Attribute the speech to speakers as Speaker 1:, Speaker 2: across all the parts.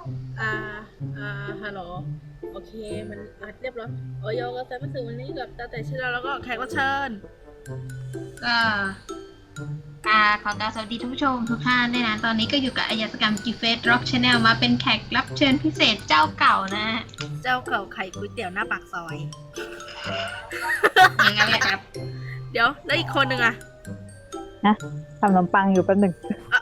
Speaker 1: อ่าฮัลโหลโอเคมันอัดเรียบร้อยโอโยก็แซมมาสึวันนี้กับตาแต่ชิเราแล้วก็แขกรับเชิญ
Speaker 2: ก็ขอกราบสวัสดีทุกผู้ชมทุกท่านด้วยนะตอนนี้ก็อยู่กับอายตกรรมกิฟเฟสร็อกชาแนลมาเป็นแขกรับเชิญพิเศษเจ้าเก่านะ
Speaker 1: เจ้าเก่าไข่ก๋วยเตี๋ยวหน้าปากซอย
Speaker 2: อย่างนั้นแหละครับ
Speaker 1: เดี๋ยวแล้วอีกคนหนึ่งอะ
Speaker 3: นะทำขนมปังอยู่แป๊บหนึ่ง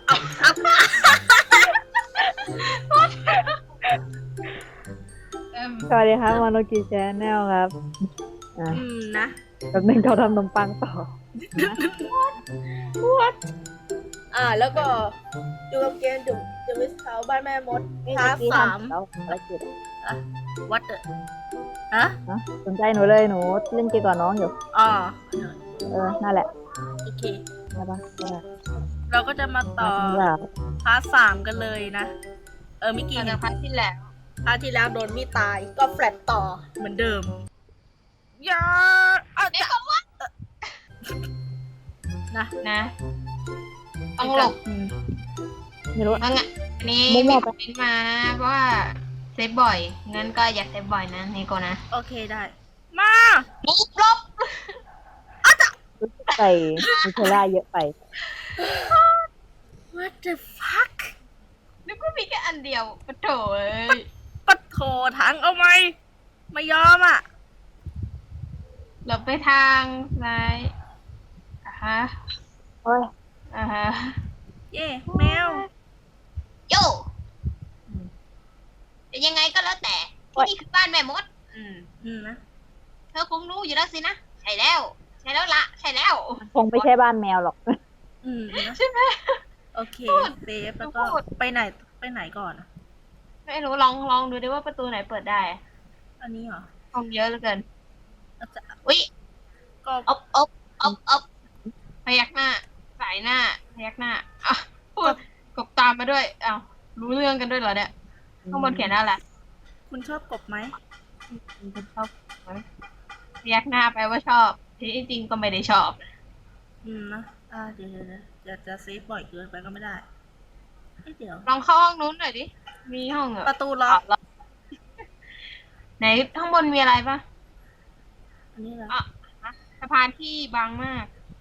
Speaker 3: สวัสดีครับมโนกิแชนแนลครับ
Speaker 1: นะ
Speaker 3: แป๊บหนึ่งเขาทำขนมปังต่อ
Speaker 1: What แล้วก็ดูกับเกมจุ่มจะวิสเทาบ้านแม่มดพาร์ทสาม
Speaker 3: แล้วอะไรกิจ
Speaker 1: What the ฮะ
Speaker 3: สนใจหนูเลยหนูเล่นเกมกับน้องอยู่
Speaker 1: อ๋อ
Speaker 3: นั่นแหละ
Speaker 1: โอเค
Speaker 3: ใช่ปะ
Speaker 1: เราก็จะมาต่อพาร์ทสามกันเลยนะมิกกี้
Speaker 2: จากพาร์ทที่แล้ว
Speaker 1: พาร์ทที่แล้วโดนมีตายก็แฟลตต่อเหมือนเดิมอย่า
Speaker 2: เดี๋ยวว่านะต้องหลบ
Speaker 3: ไม่รู้
Speaker 2: อันนี้มีคอมเมนต์มานะเพราะว่าเซฟบ่อยงั้นก็อย่าเซฟบ่อยนะนี่ก็นะ
Speaker 1: โอเคได้มา
Speaker 2: ลบ
Speaker 3: ใส่มิเทล่าเยอะไป
Speaker 1: What the fuck
Speaker 2: นึกว่ามีแค่อันเดียวปะโถเอ้ย
Speaker 1: ปัดโถถังเอาไหมไม่ยอมอ่ะ
Speaker 2: หลบไปทางซ้ายฮะ
Speaker 3: โอ้ย
Speaker 2: ฮะ
Speaker 1: เย่แมว
Speaker 2: โยแต่ยังไงก็แล้วแต่ที่นี่คือบ้านแม่มด
Speaker 1: นะ
Speaker 2: เธอคงรู้อยู่แล้วสินะใช่แล้วใช่แล้ว
Speaker 3: คงไม่ใช่บ้านแมวหรอก
Speaker 2: ใช่ไหม
Speaker 1: โอเคเซฟแล้วก็ไปไหนก่อนอะ
Speaker 2: ไม่รู้ลองดูดิว่าประตูไหนเปิดได้
Speaker 1: อันนี้เหรอ
Speaker 2: ห้องเยอะเหลือเกิน
Speaker 1: อาจจะ
Speaker 2: อุ๊ย
Speaker 1: ก็
Speaker 2: อ๊บพยักหน้าสายหน้าพยักหน้าอ่ะพูดกบตามมาด้วยอ้าวรู้เรื่องกันด้วยเหรอเนี่ยข้างบนเขียนอะไร
Speaker 1: คุณชอบกบไหม
Speaker 2: คุณชอบไหมพยักหน้าแปลว่าชอบที่จริงก็ไม่ได้ชอบ
Speaker 1: นะเดี๋ยวจะเซฟบ่อยเกินไปก็ไม่ได้เดี๋ยว
Speaker 2: ลองเข้าห้องนู้นหน่อยดิมีห้องเหรอ
Speaker 1: ประตูล็อก
Speaker 2: ไหนข้างบนมีอะไรปะ
Speaker 1: อันนี้เหรอ
Speaker 2: สะพานที่บางมาก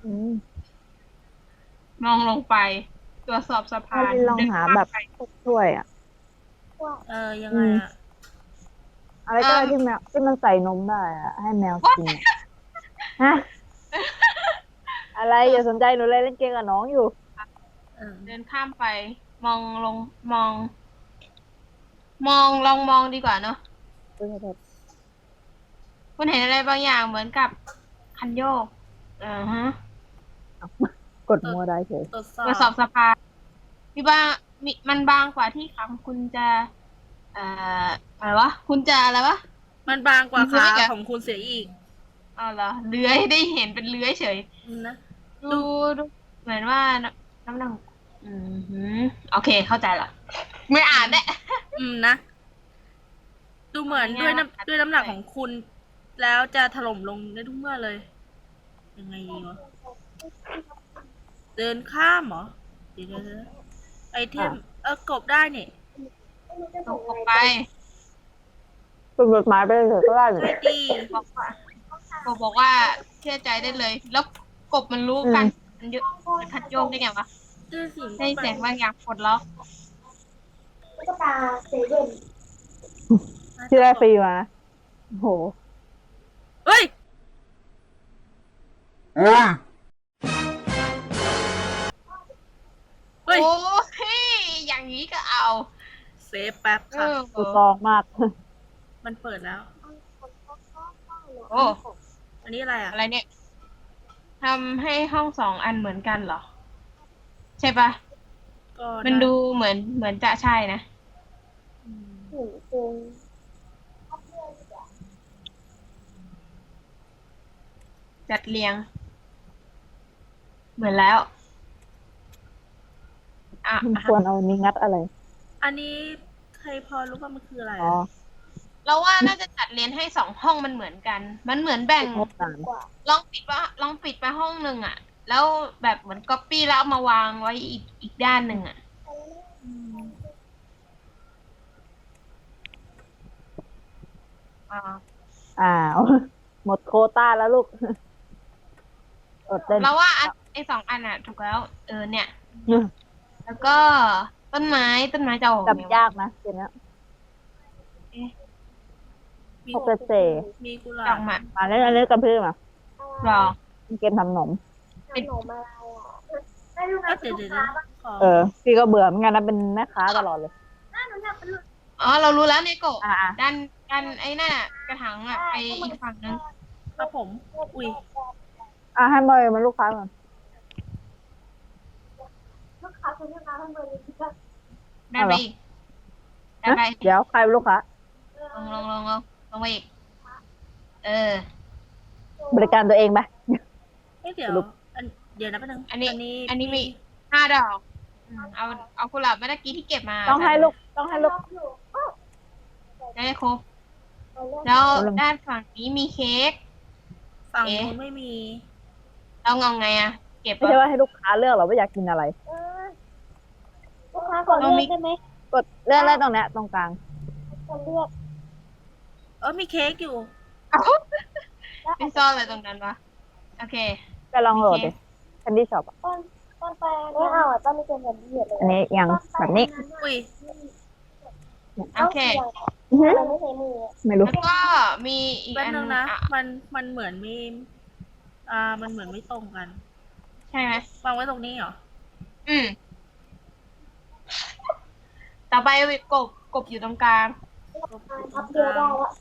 Speaker 3: ม
Speaker 2: มองลงไปตรวจสอบสะพาน
Speaker 3: ลองหาแบบช่วยอ่ะ
Speaker 1: ยังไงอะ
Speaker 3: อะไรก็ได้ที่แมวที่มันใส่นมได้อ่ะให้แมวกินฮะอะไรอย่าสนใจหนูเลยเล่นเกมกับน้องอยู่
Speaker 2: เดินข้ามไปมองลงมองลองมองดีกว่าเนอะคุณเห็นอะไรบางอย่างเหมือนกับคันโยกฮะ
Speaker 3: กดมัวได้เฉย
Speaker 1: ตรวจส
Speaker 2: ตรวจส
Speaker 1: อ
Speaker 2: อ
Speaker 1: บบ
Speaker 2: สะพานมันบางกว่าที่ขาคุณจะอะไรวะคุณจะอะไรวะ
Speaker 1: มันบางกว่าขาของคุณเสียอีก
Speaker 2: อ๋อเหรอเลื้อยได้เห็นเป็นเลื้อยเฉย
Speaker 1: นะ
Speaker 2: ดูเหมือนว่าน้ำหนักโอเคเข้าใจละไม่อ่านแน่
Speaker 1: นะดูเหมือนด้วยน้ำหนักของคุณ แล้วจะถล่มลงได้ทุกเมื่อเลย ยังไงดีวะเดินข้ามเหรอเดี๋ยวไอเทมกบได้เนี่ย
Speaker 2: ตกไป
Speaker 3: ฝึกกฎหมายไปเลยเถอะก็ได้อยู่
Speaker 1: ใช่ดี
Speaker 2: บอกว่าเชื่อใจได้เลย แล้วกบมันรู้กันมันเยอะมันคัดโยกได้ไงวะ
Speaker 1: ด้วยสิ
Speaker 2: ได้เสียงบางอย่างปลดล็อก
Speaker 4: ก็ตาเซเว่น
Speaker 3: ที่ได้ฟรีมาโห
Speaker 1: เฮ้ย เฮ้ย
Speaker 2: โอ้ยอย่างนี้ก็เอา
Speaker 1: เซฟแป๊บค่ะ
Speaker 3: สุดตองมาก
Speaker 1: มันเปิดแล้ว
Speaker 2: โอ้
Speaker 1: อันนี้อะไรอ่ะ
Speaker 2: อะไรเนี่ยทำให้ห้อง2 อันเหมือนกันเหรอ ใช่ปะ
Speaker 1: ก็
Speaker 2: มันดูเหมือนจะใช่นะ
Speaker 4: หนึ่งคง
Speaker 2: จัดเรียง เหมือนแล้ว
Speaker 3: ควรเอานี้งัดอะไร
Speaker 1: อันนี้ใครพอรู้ว่ามันคืออะไร
Speaker 3: อ๋อ
Speaker 2: เราว่าน่าจะจัดเรียนให้2 ห้องมันเหมือนกัน มันเหมือนแบ่ง
Speaker 3: งดสาร
Speaker 4: กว่า
Speaker 2: ลองปิดไปห้องหนึ่งอ่ะ แล้วแบบเหมือนก๊อปปี้แล้วเอามาวางไว้อีกด้านหนึ่งอ่ะอ่า
Speaker 3: อ้าว หมดโควต้าแล้วลูกอดเล่น
Speaker 2: เราว่าไอ้สองอันอ่ะ ถูกแล้ว เนี่ย แล้วก็ต้นไม้จะออก
Speaker 3: จับ
Speaker 2: ไง
Speaker 3: ยากนะเกมเนี้ย
Speaker 1: มี
Speaker 3: พวกเกษตร
Speaker 1: มีกุห
Speaker 2: ด
Speaker 1: ลา
Speaker 2: อบ กมา
Speaker 3: มาเล่นอันนี้กับพี่มา
Speaker 2: หรอ
Speaker 3: เกมทำขนม
Speaker 4: ขนมอะไรอ่ะไม่รู้นะ
Speaker 1: เดี๋ยวขอ
Speaker 3: พี่ก็เบื่อเหมือนกันนะเป็นแม่ค้าตลอดเลย
Speaker 4: หนูอยากเป็นลูก
Speaker 2: อ๋อ เรารู้แล้วเนโกะ
Speaker 3: อ่า
Speaker 2: ดันไอ้นั่นอะกระถางอะไปอีกฝั่งนึง
Speaker 1: ครับผม อุ้ย
Speaker 3: ให้บอยมันลูกค้าก่อน
Speaker 4: ลูกค้าคนนี้มาทำเบอร์นี้ที่ก็
Speaker 2: ดันไปอีกดันไป
Speaker 3: เดี๋ยวใครเป็นลูกค้า
Speaker 2: ลงไปอีก
Speaker 3: บริการตัวเองไป
Speaker 1: เดี๋ยว
Speaker 3: สรุป
Speaker 1: เดี๋ยวนะแป๊บนึง
Speaker 2: อันนี้มี 5 ดอกเอากุหลาบเมื่อกี้ที่เก็บมา
Speaker 3: ต้องให้ลูก
Speaker 4: อยู่
Speaker 2: ได้ครบ แล้วด้านฝั่งนี้มีเค้ก
Speaker 1: ฝั่งนู้นไม่มี
Speaker 2: เราเอาไงอะเก็บ
Speaker 3: ไม่ใช่ว่าให้ลูกค้าเลือกหรอกว่าอยากกินอะไร
Speaker 4: ลูกค้าขอเลือกได้ไหม
Speaker 3: กดเลือกได้ตรงเนี้ยตรงกลาง
Speaker 4: ขอเลือก
Speaker 1: มีเค้กอยู่
Speaker 2: ไม่ซ่อนอะไรตรงนั้นวะโอเค
Speaker 3: ก็ลองโหลดดิแคนดี้ช็อป
Speaker 4: ต้นแปลงไม่เอาอ่ะต้นไม่เป็นแบบนี้เลย
Speaker 3: อันนี้ยังแบบนี้
Speaker 1: อุ้ย
Speaker 2: โอเค
Speaker 4: มันไม่ใช่มือ
Speaker 3: ไม่รู้
Speaker 2: แล้วก็มีอีก
Speaker 1: แป๊บ
Speaker 2: อัน
Speaker 1: นึงนะ
Speaker 2: อ่ะ
Speaker 1: มันเหมือนมีมันเหมือนไม่ตรงกัน
Speaker 2: ใช่ไหม
Speaker 1: วางไว้ตรงนี้เหรอ
Speaker 2: ต่อไปกบอยู่ตรงกลาง
Speaker 4: ทับเดียวได้แล้ว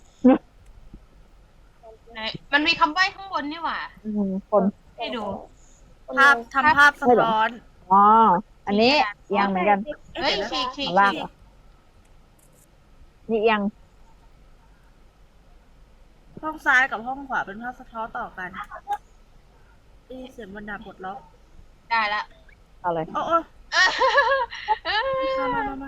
Speaker 2: ไหนมันมีคำใบ้ข้างบนนี่หว่า
Speaker 3: คน
Speaker 2: ให้ดู
Speaker 1: ทำภาพสะท้อน
Speaker 3: อ๋อ อันนี้ยังเหมือนกัน
Speaker 2: เฮ้ย
Speaker 1: ดี๋วนะ
Speaker 2: ฉีก
Speaker 3: ข้างล่างเหรอ นี่ยัง
Speaker 1: ห้องซ้ายกับห้องขวาเป็นภาพสะท้อนต่อกันเสียงบรรดาปลดล็อก
Speaker 2: ได้ละ
Speaker 3: เอาเลย
Speaker 1: โอ้มา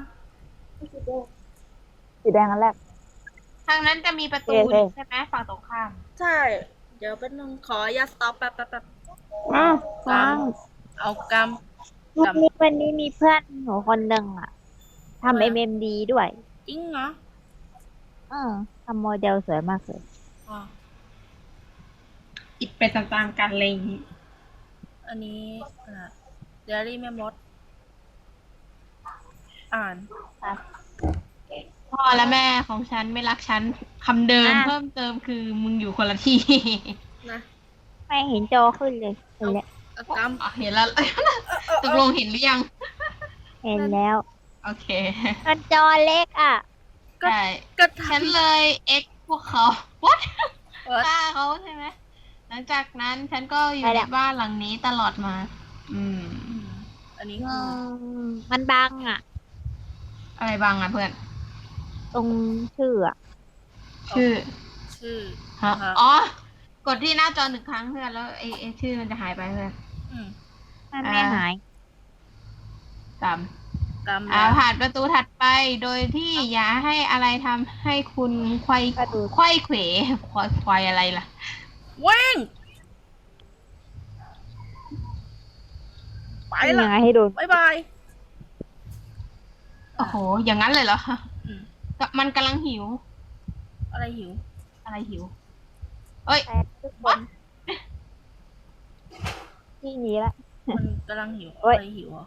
Speaker 3: สีแดงอันแรก
Speaker 2: ทางนั้นจะมีประตู
Speaker 3: โอเค
Speaker 2: ใช่ไหมฝั่งตรงข้าม
Speaker 1: ใช่ เดี๋ยวเป็นนึงขออย่าสต็อปแป๊บ
Speaker 3: อ้าว
Speaker 1: ฟัง เอาก
Speaker 5: วันนี้มีเพื่อนหนูคนหนึ่งอะทำ MMD ด้วย
Speaker 1: ำจริงเหรอ
Speaker 5: ทำโมเดลสวยมากเลย
Speaker 1: อ๋อ
Speaker 2: อิดไปตามๆกันอะไรอย่างนี้
Speaker 1: อันนี้เดลี่แม่มด อ่าน
Speaker 2: พ่อและแม่ของฉันไม่รักฉันคำเดิม
Speaker 5: อ่ะ
Speaker 2: เพิ่มเติมคือมึงอยู่คนละที่
Speaker 1: นะ
Speaker 5: ไม่เห็นจอขึ้นเลยเห็นแล้ว
Speaker 1: เอาก
Speaker 2: อ๋อเห็นแล้ว ตกลงเห็นหรือยัง
Speaker 5: เห็นแล้ว
Speaker 2: โอเค
Speaker 5: มันจอเล็กอ่ะ
Speaker 1: ก็
Speaker 2: ได้
Speaker 1: ก็
Speaker 2: ฉันเลยเอ็กพวกเขา what
Speaker 1: เออ
Speaker 2: ฆ่าเขาใช่ไหมหลังจากนั้นฉันก็อยู่
Speaker 5: ไป
Speaker 2: ใน
Speaker 5: แล้ว
Speaker 2: บ้านหลังนี้ตลอดมา
Speaker 1: อันนี้
Speaker 5: อื
Speaker 1: คือ
Speaker 5: มันบังอ่ะ
Speaker 2: อะไรบ้างอ่ะเพื่อน
Speaker 5: ตรงชื่ออ่ะ
Speaker 2: ชื่อ
Speaker 1: ชื่อ
Speaker 2: ฮะ
Speaker 1: ฮะ
Speaker 2: อ๋อ กดที่หน้าจอ1 ครั้งเพื่อนแล้วไอ้ชื่อมันจะหายไปเพื่อน
Speaker 1: อืม
Speaker 5: มันไม่หาย
Speaker 2: ตาม
Speaker 1: กำ
Speaker 2: ผ่านประตูถัดไปโดยที่อย่าให้อะไรทำให้คุณไขว้
Speaker 5: ประตู
Speaker 2: ไขว้เขวควายอะไรล่ะ
Speaker 1: วิ่งไป
Speaker 5: ยั
Speaker 1: ละ
Speaker 5: งไงให้ดู
Speaker 1: บ๊ายบาย
Speaker 2: โอ้โห อย่างนั้นเลยเหรอ
Speaker 1: อืม
Speaker 2: มันกำลังหิว
Speaker 1: อะไรหิว
Speaker 2: อะไรหิว เอ้ย
Speaker 5: แต่ทุกคนที่นี้ละ
Speaker 1: มันกำลังหิว
Speaker 3: เอ้ย
Speaker 1: อะไรหิวอ่ะ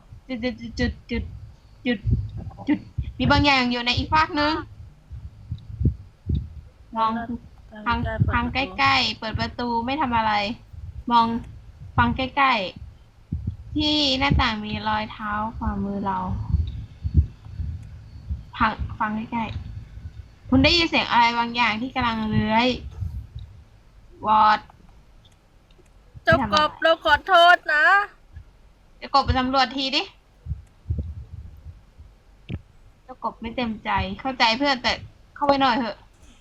Speaker 2: จุดมีบางอย่างอยู่ในอีกฟากนึงมองทางใกล้ๆ เปิดประตูไม่ทำอะไร มองฟังใกล้ๆ ที่หน้าต่างมีรอยเท้าขวามือเราฟังใกล้ๆ คุณได้ยินเสียงอะไรบางอย่างที่กำลังเลื้อยวอด
Speaker 1: เจ้ากบเราขอโทษนะ
Speaker 2: จะกบไปสำรวจทีดิเจ้ากบไม่เต็มใจ เข้าใจเพื่อนแต่เข้าไปหน่อยเถอะ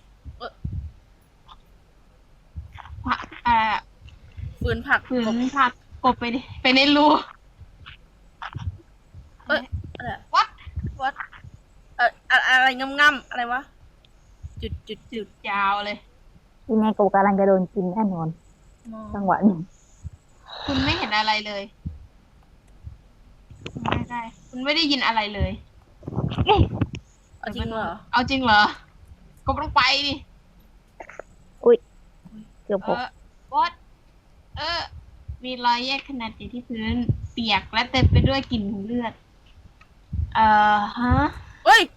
Speaker 2: อะไรอะ
Speaker 1: ฝืนผัก
Speaker 2: ฝืน
Speaker 1: กบ
Speaker 2: ผักกบไปในรู
Speaker 1: อะไร
Speaker 2: What
Speaker 1: วัดอะไรง่ำๆอะไรวะ จุด
Speaker 2: ยาวเลย
Speaker 3: ที่แม่กูกำลังจะโดนกินแน่นอน
Speaker 1: มอง
Speaker 3: จังหวะนี้
Speaker 2: คุณไม่เห็นอะไรเลยไม่ได้ คุณไม่ได้ยินอะไรเลย
Speaker 1: เอาจริงเหรอ
Speaker 2: เอาจริงเหรอ กบลงไปดิ
Speaker 3: เกือบ
Speaker 2: เอ
Speaker 3: 6
Speaker 2: อวอดมีรอยแยกขนาดใหญ่ที่พื้น เปียกและเต็มไปด้วยกลิ่นเลือด ฮะ
Speaker 1: เฮ้ย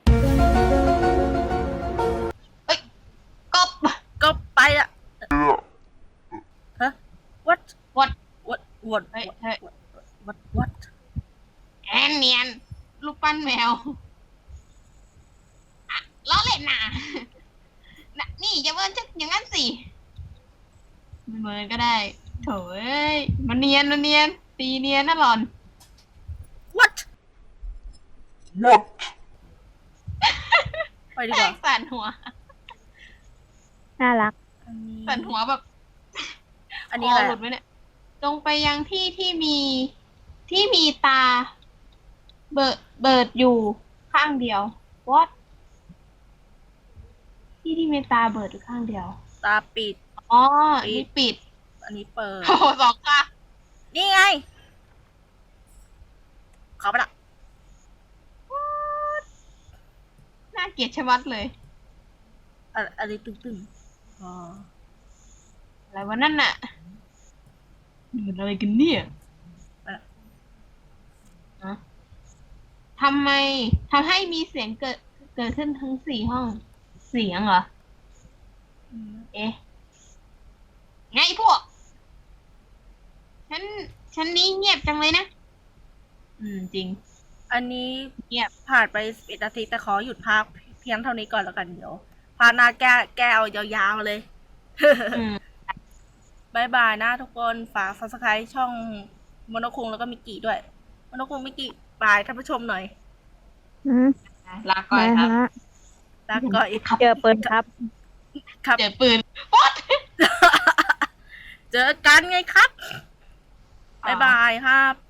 Speaker 2: กบ
Speaker 1: ก็ไปอะฮะ what
Speaker 2: what
Speaker 1: what
Speaker 2: เฮ้ยเฮ้ย
Speaker 1: what
Speaker 2: แอนเนียนรูปปั้นแมวอะล้อเล่นน่ะ น่ะนี่อย่าเมินจะอย่างนั้นสิไม่เมินก็ได้โถเอ้ยมันเนียนตีเนียนนะหลอน
Speaker 1: what ไปดีกว่า
Speaker 2: สั่นหัว
Speaker 3: น่ารัก
Speaker 1: อันนี้
Speaker 2: สั่นหัวแบบ
Speaker 1: อันนี้อะไร
Speaker 2: คหลุดไหมเนี่ยจงไปยังที่ที่มีตา เบิดอยู่ข้างเดียว what ที่มีตาเบิดอยู่ข้างเดียว
Speaker 1: ตาปิด
Speaker 2: อ๋ออันนี่ปิด
Speaker 1: อันนี้เปิด
Speaker 2: โอ้โหสองค่ะ
Speaker 1: นี่ไง เข้าไปละ
Speaker 2: น่าเกลียดชะมัดเลย
Speaker 1: อะไรตึงๆอ๋อ
Speaker 2: อะไรวะนั่นน่ะนี่มันอะไรกันเนี่ยฮะทำให้มีเสียงเกิดขึ้นทั้ง4 ห้อง เสียงเหรอ
Speaker 1: อืม
Speaker 2: เอ๊ะ ไงพวก ฉันนี้เงียบจังเลยนะ จริง
Speaker 1: อันนี้
Speaker 2: เงียบ
Speaker 1: ผ่านไป11 นาทีแต่ขอหยุดพักเพียงเท่านี้ก่อนแล้วกันเดี๋ยวพาร์ทหน้าแก้เอายาวๆเลย
Speaker 2: อืม
Speaker 1: บายบายนะทุกคนฝาก subscribe ช่องมโนคุงแล้วก็มิกกี้ด้วยมโนคุงมิกกี้บายท่านผู้ชมหน่อย
Speaker 3: อืม
Speaker 2: ลาก่อยครับ
Speaker 3: ฮะ
Speaker 1: ลาก่อย
Speaker 3: เจอปืนครับ
Speaker 1: ครับ
Speaker 2: เจอปืนป๊อด
Speaker 1: เจอกันไงครับบายบายครับ